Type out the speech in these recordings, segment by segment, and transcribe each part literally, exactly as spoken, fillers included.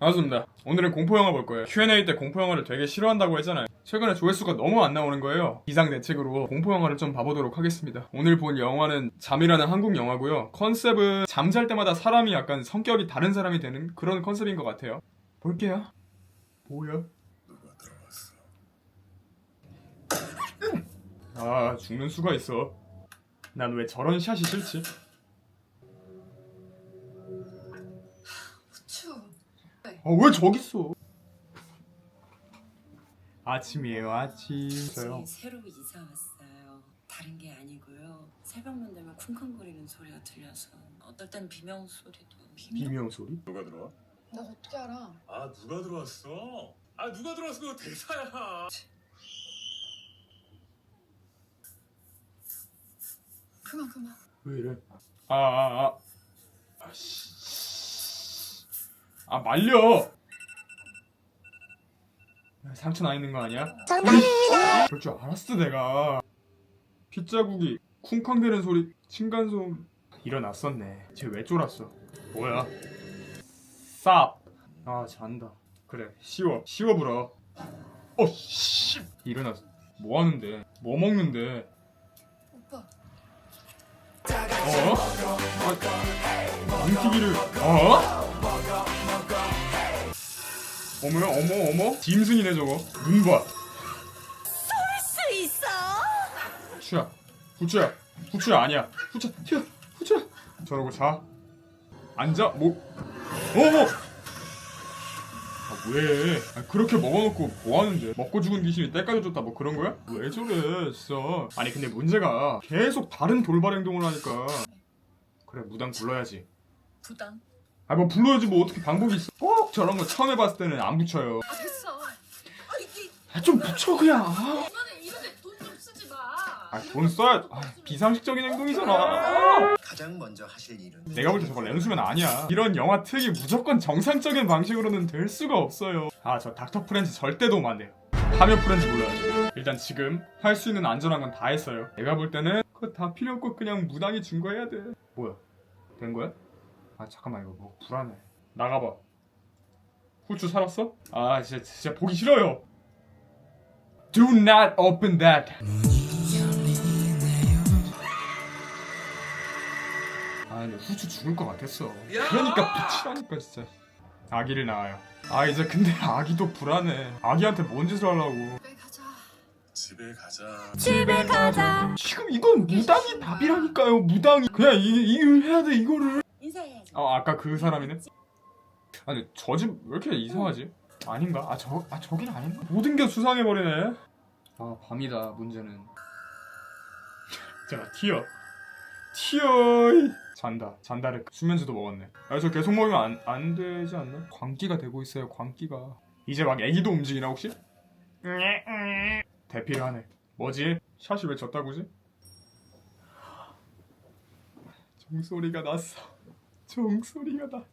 반갑습니다. 오늘은 공포영화 볼 거예요. 큐 앤 에이 때 공포영화를 되게 싫어한다고 했잖아요. 최근에 조회수가 너무 안 나오는 거예요. 비상대책으로 공포영화를 좀 봐보도록 하겠습니다. 오늘 본 영화는 잠이라는 한국 영화고요. 컨셉은 잠잘 때마다 사람이 약간 성격이 다른 사람이 되는 그런 컨셉인 것 같아요. 볼게요. 뭐야? 누가 들어왔어? 아, 죽는 수가 있어. 난 왜 저런 샷이 싫지? 후추. 아, 왜 저기 있어? 아침이에요, 아침. 저희 새로 이사 왔어요. 다른 게 아니고요. 새벽만 되면 쿵쾅거리는 소리가 들려서 어떨 땐 비명 소리도. 비명 소리? 누가 들어와? 나 어떻게 알아? 아 누가 들어왔어? 아 누가 들어왔어? 그거 대사야. 그만 그만. 왜 이래? 아, 아, 아. 아, 씨. 아, 말려! 상처 나 있는 거 아니야? 정답입니다! 그럴 줄 알았어, 내가. 핏자국이 쿵쾅대는 소리, 층간소음. 일어났었네. 쟤 왜 쫄았어? 뭐야? 쌉! 아, 잔다. 그래, 쉬워. 쉬워 불어. 어, 씨! 일어났어. 뭐 하는데? 뭐 먹는데? 오빠. 어? 아, 뭉티기를 어? 어머 어머 어머 짐승이네 저거. 눈 봐. 수 있어? 후추야 후추야 후추야 아니야 후추 튀어 후추야. 저러고 자. 앉아. 뭐 어머. 아, 왜? 아, 그렇게 먹어놓고 뭐 하는데? 먹고 죽은 귀신이 때까지 줬다 뭐 그런 거야? 왜 저래 진짜. 아니 근데 문제가 계속 다른 돌발 행동을 하니까. 그래 무당 불러야지. 부당. 아 뭐 불러야지 뭐 어떻게 방법이 있어. 꼭 저런 거 처음 해봤을 때는 안 붙여요. 아 됐어. 아 이게 아 좀 붙여 그냥. 아, 이번에 이런데 돈 좀 쓰지 마. 아, 돈 써야. 아, 비상식적인 행동이잖아. 가장 먼저 하실 일은 내가 볼 때 저거 렌수면 아니야. 이런 영화 특이 무조건 정상적인 방식으로는 될 수가 없어요. 아 저 닥터 프렌즈 절대 도움 안 돼요. 파면 프렌즈 불러야죠. 일단 지금 할 수 있는 안전한 건 다 했어요. 내가 볼 때는 그거 다 필요 없고 그냥 무당이 증거해야 돼. 뭐야? 된 거야? 아 잠깐만 이거 뭐 불안해. 나가봐. 후추 살았어? 아 진짜 진짜 보기 싫어요. Do not open that. 아 근데 후추 죽을 것 같았어. 그러니까 붙이라니까 진짜. 아기를 낳아요. 아 이제 근데 아기도 불안해. 아기한테 뭔 짓을 하려고. 집에 가자. 집에 가자. 집에 가자. 지금 이건 무당이 답이라니까요. 무당이 그냥 이, 이걸 해야 돼 이거를. 인사해야지. 어 아까 그 사람이네. 아 근데 저 집 왜 이렇게 이상하지? 아닌가? 아 저 아 저긴 아닌가? 모든 게 수상해버리네. 아 밤이다 문제는. 자 튀어 튀어. 잔다. 잔다를 수면제도 먹었네. 아 저 계속 먹으면 안, 안 되지 않나? 광기가 되고 있어요. 광기가. 이제 막 애기도 움직이나 혹시? 대피를 하네. 뭐지? 샷이 왜 졌다고지? 종소리가 났어. 종소리가 나.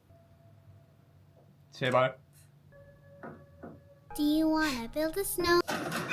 제발. Do you wanna build a snow?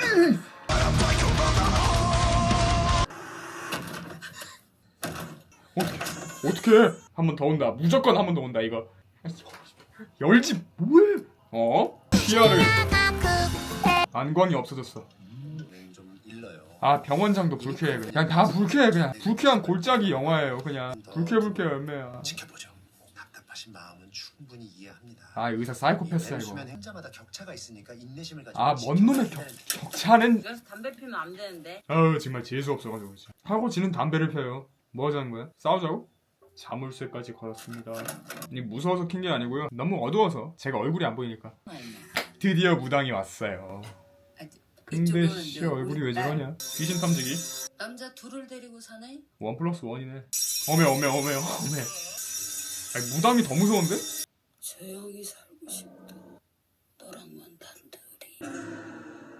어떻게 어떻게 한 번 더 온다. 무조건 한 번 더 온다 이거. 열지 뭐해? 어? 시야를. 안광이 없어졌어. 눈을 좀 일러요. 아 병원장도 불쾌해 그냥. 그냥 다 불쾌해 그냥. 불쾌한 골짜기 영화예요 그냥. 불쾌 불쾌 열매야. 지켜보죠. 답답하신 마음은 충분히 이해합니다. 아 의사 사이코패스야 이거. 수면 행자마다 격차가 있으니까 인내심을 가지고 아 뭔 놈의 격, 격차는. 그래서 담배 피면 안 되는데. 아우 정말 재수 없어가지고 진짜. 하고 지는 담배를 펴요. 뭐 하자는 거야? 싸우자고? 자물쇠까지 걸었습니다. 이 무서워서 킨 게 아니고요. 너무 어두워서 제가 얼굴이 안 보이니까. 드디어 무당이 왔어요. 근데 씨 얼굴이 왜 저러냐? 귀신 탐지기? 남자 둘을 데리고 사네? 원 플러스 원이네. 어메 어메 어메 어메. 아니 무당이 더 무서운데? 조용히 살고 싶다. 너랑만 단둘이.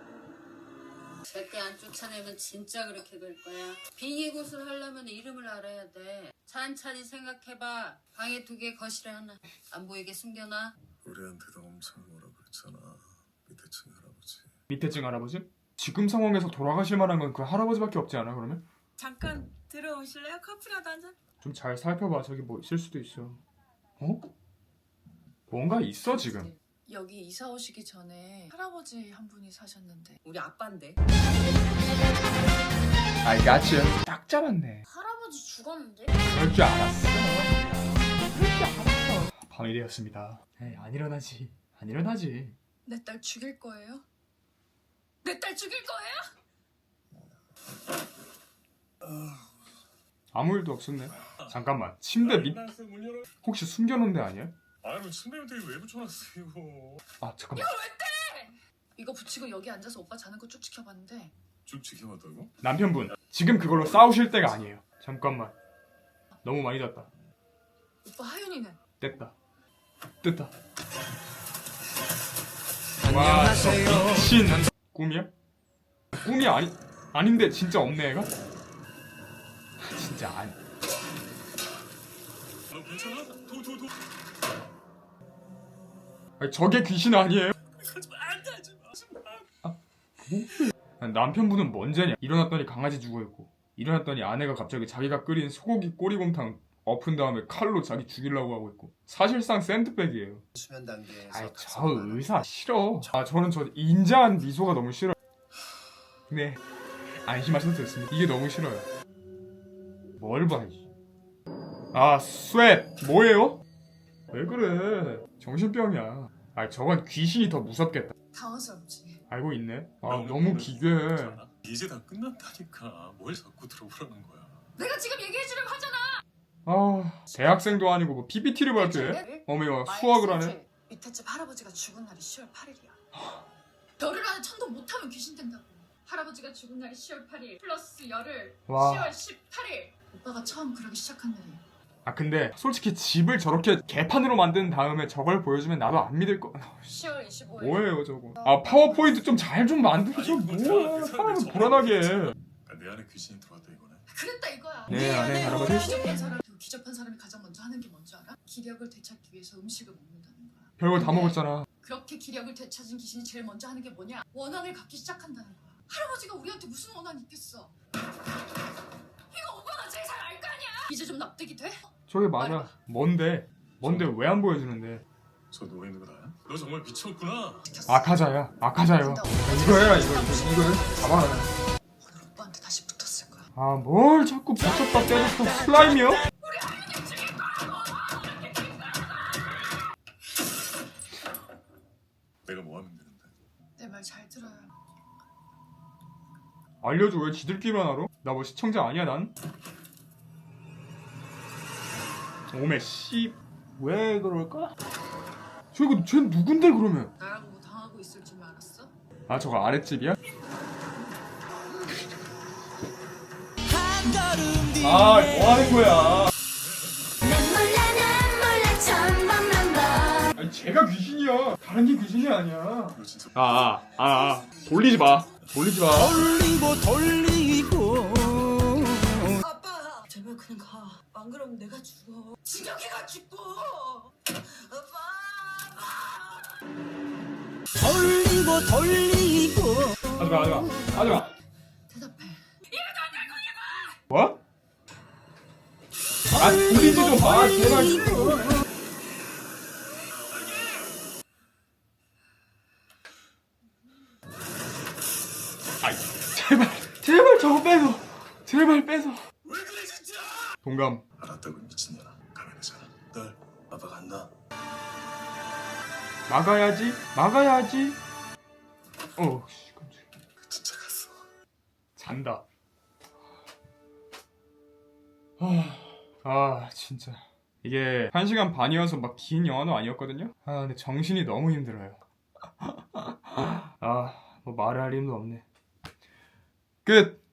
절대 안 쫓아내면 진짜 그렇게 될 거야. 빙의굿을 하려면 이름을 알아야 돼. 찬찬히 생각해봐. 방에 두 개, 거실에 하나. 안 보이게 숨겨놔. 우리한테도 엄청 뭐라 그랬잖아. 밑에 층 할아버지. 밑에 층 할아버지? 지금 상황에서 돌아가실 만한 건 그 할아버지밖에 없지 않아 그러면? 잠깐 들어오실래요? 커피라도 한 잔? 좀 잘 살펴봐. 저기 뭐 있을 수도 있어. 어? 뭔가 있어 지금. 여기 이사 오시기 전에 할아버지 한 분이 사셨는데 우리 아빠인데. I got you. 딱 잡았네. 할아버지 죽었는데? 그럴 줄 알았어. 그럴 줄 알았어. 밤이 되었습니다. 에이, 안 일어나지. 안 일어나지. 내 딸 죽일 거예요? 내 딸 죽일 거예요? 아무 일도 없었네. 잠깐만. 침대 밑 문 열어. 혹시 숨겨놓은 데 아니야? 아유 침대 밑에 왜 붙여놨어 이거. 아 잠깐만. 이거 붙이고 여기 앉아서 오빠 자는 거 쭉 지켜봤는데 쭉 지켜봤다고? 남편분 지금 그걸로 싸우실 때가 아니에요. 잠깐만. 너무 많이 잤다. 오빠 하윤이는 됐다. 됐다. 와, 저 미친 꿈이야? 꿈이 아니 아닌데 진짜 없네 애가? 진짜 아니. 너 괜찮아? 도도도. 아니 저게 귀신 아니에요? 하지마 안돼 하지마 하지마. 아니, 남편분은 뭔 죄냐? 일어났더니 강아지 죽어있고 일어났더니 아내가 갑자기 자기가 끓인 소고기 꼬리곰탕 엎은 다음에 칼로 자기 죽이려고 하고 있고 사실상 샌드백이에요. 수면 단계에서 아이 저 각성하는 의사 싫어. 아 저는 저 인자한 미소가 너무 싫어요. 네 안심하셔도 됐습니다. 이게 너무 싫어요. 뭘 봐. 이. 아 스웻 뭐예요? 왜 그래? 정신병이야. 아 저건 귀신이 더 무섭겠다. 당황스럽지. 알고 있네. 아 너무 너무 오래 기괴해. 있잖아. 이제 다 끝났다니까. 뭘 자꾸 들어보라는 거야. 내가 지금 얘기해주려고 하잖아. 아 대학생도 아니고 뭐 피피티를 발표해? 어머니가 수학을 하네. 밑에 집 할아버지가 죽은 날이 시월 팔일이야. 열흘 안에 천도 못하면 귀신 된다고. 할아버지가 죽은 날이 시월 팔일 플러스 열흘 와. 시월 십팔일. 오빠가 처음 그러기 시작한 날이야. 아 근데 솔직히 집을 저렇게 개판으로 만든 다음에 저걸 보여주면 나도 안 믿을 거. 시월 이십오일. 뭐예요 저거? 아 파워포인트 좀 잘 좀 만들어줘. 뭐야 사람을 불안하게 해. 그러니까 내 안에 귀신이 들어왔다 이거네. 그랬다 이거야. 네, 안에 할아버지? 기접한 사람, 그 기접한 사람이 가장 먼저 하는 게 뭔지 알아? 기력을 되찾기 위해서 음식을 먹는다는 거야. 별걸 다 먹었잖아. 그렇게 기력을 되찾은 귀신이 제일 먼저 하는 게 뭐냐? 원한을 갖기 시작한다는 거야. 할아버지가 우리한테 무슨 원한이 있겠어? 이거 오빠가 제일 잘 알 거 아니야? 이제 좀 납득이 돼? 저게 맞아. 뭔데? 뭔데 왜 안 보여주는데? 저 누워 있는 거 나야? 너 정말 미쳤구나. 아카자야. 아카자요. 이거야 이거 이거 잡아라. 오늘 오빠한테 다시 붙었을 거야. 아 뭘 자꾸 붙였다 떼줬다 슬라임이요? 내가 뭐 하면 되는데? 내 말 잘 들어요. 알려줘 왜 지들끼리만 알아? 나 뭐 시청자 아니야 난? 오메 씨. 왜 그럴까? 저 이거 쟤 누군데 그러면? 나랑 뭐 당하고 있을 줄 알았어? 아 저거 아랫집이야? 아 뭐하는 거야? 난 몰라 난 몰라 천번만 봐. 아니 쟤가 귀신이야. 다른 게 귀신이 아니야. 너 진짜 아아아 아, 아. 돌리지 마. 돌리지 마. 돌리고 돌리고 아빠! 제발 그냥 가. 안 그러면 내가 죽어. 진혁이가 죽고! 아빠! 돌리고 돌리고 하지마 하지마 하지마. 대답해. 뭐? 아 돌리지 좀 마. 제발. 아이 제발 제발 저거 빼서 제발 빼서. 왜 그래 진짜? 동감. 알았다고 미친년아. 가면 되잖아. 딸 아빠 간다. 막아야지 막아야지. 어 씨, 깜짝이야. 진짜 갔어. 잔다. 아, 아 진짜 이게 한 시간 반이어서 막 긴 영화도 아니었거든요. 아 근데 정신이 너무 힘들어요. 아 뭐 말을 할 힘도 없네. 끝.